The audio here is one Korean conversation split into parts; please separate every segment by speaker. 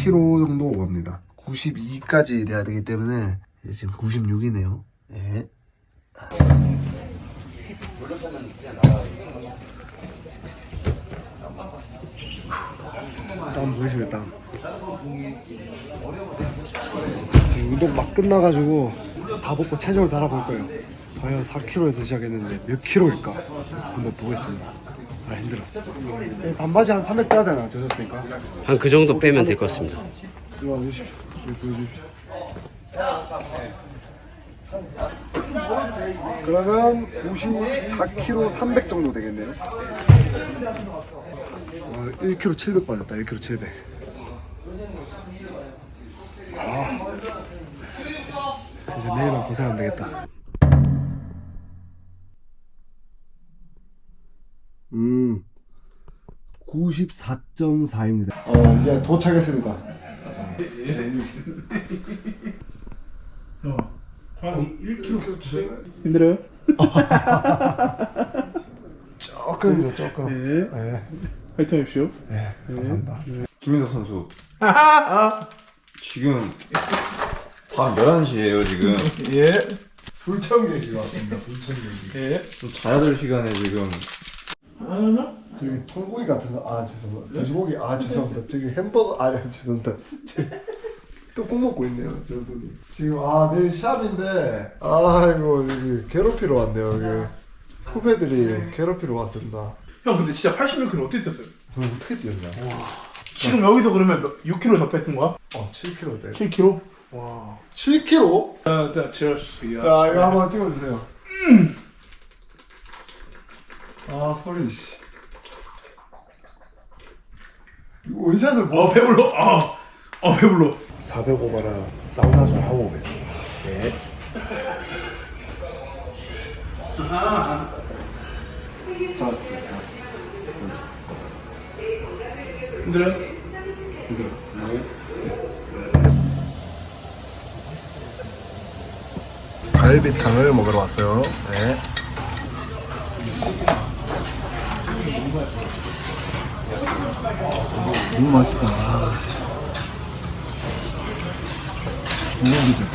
Speaker 1: 10kg 정도 오갑니다. 92까지 돼야 되기 때문에 지금 96이네요. 예. 땀 보이시면 땀. 지금 운동 막 끝나가지고 다 벗고 체중을 달아볼 거예요. 과연 4kg에서 시작했는데 몇 kg일까 한번 보겠습니다. 아 힘들어. 반바지 한 300 빼야 되나 젖었으니까.
Speaker 2: 한 그 정도 빼면 될 것 같습니다.
Speaker 1: 이거 와주십시오. 이거 보여주십시오. 그러면 94kg 300 정도 되겠네요. 1kg 700 빠졌다. 1kg 700. 이제 내일은 고생하면 되겠다. 94.4입니다. 이제 도착했습니다.
Speaker 3: 한 1kg
Speaker 1: 힘들어요? 조금이죠, 조금.
Speaker 3: 네.
Speaker 1: 네.
Speaker 3: 화이팅 하십시오.
Speaker 1: 네, 감사합니다.
Speaker 4: 김민석 선수 지금 밤 11시에요 지금.
Speaker 3: 예.
Speaker 1: 불청객이 왔습니다. 불청객이.
Speaker 3: 예.
Speaker 4: 좀 자야 될 시간에 지금.
Speaker 1: 저기 통고기 같아서 죄송합니다. 돼지고기 죄송합니다. 저기 햄버거 죄송합니다. 또 꼭 먹고 있네요 저분이. 지금 내일 샵인데 이거 여기 괴롭히러 왔네요. 여기 후배들이 괴롭히러 왔습니다.
Speaker 3: 형 근데 진짜 86kg 어떻게 뛰었어요?
Speaker 1: 어떻게 뛰었냐?
Speaker 3: 지금 여기서 그러면 6kg 더 뺐던 거야?
Speaker 1: 7kg 돼.
Speaker 3: 7kg? 와.
Speaker 1: 7kg?
Speaker 3: 자, 치얼스.
Speaker 1: 자 이거 한번 찍어주세요. 소리 씨. 원샷을
Speaker 3: 배불러. 배불러.
Speaker 1: 405바라 사우나 좀 하고 오겠습니다. 네. 자스트.
Speaker 3: 힘들어요?
Speaker 1: 힘들어. 네. 갈비탕을 먹으러 왔어요. 네. 너무 맛있다. 동영이죠.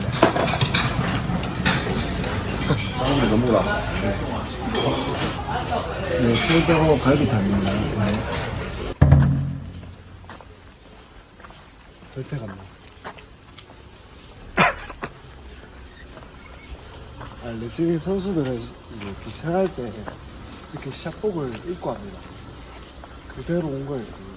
Speaker 1: 사람들이 너무 나. 네, 실대로 갈비탕입니다. 네. 절대 간다. 레슬링 선수들은 이제 귀찮을 때 이렇게 샷복을 입고 합니다. 그대로 온 거예요.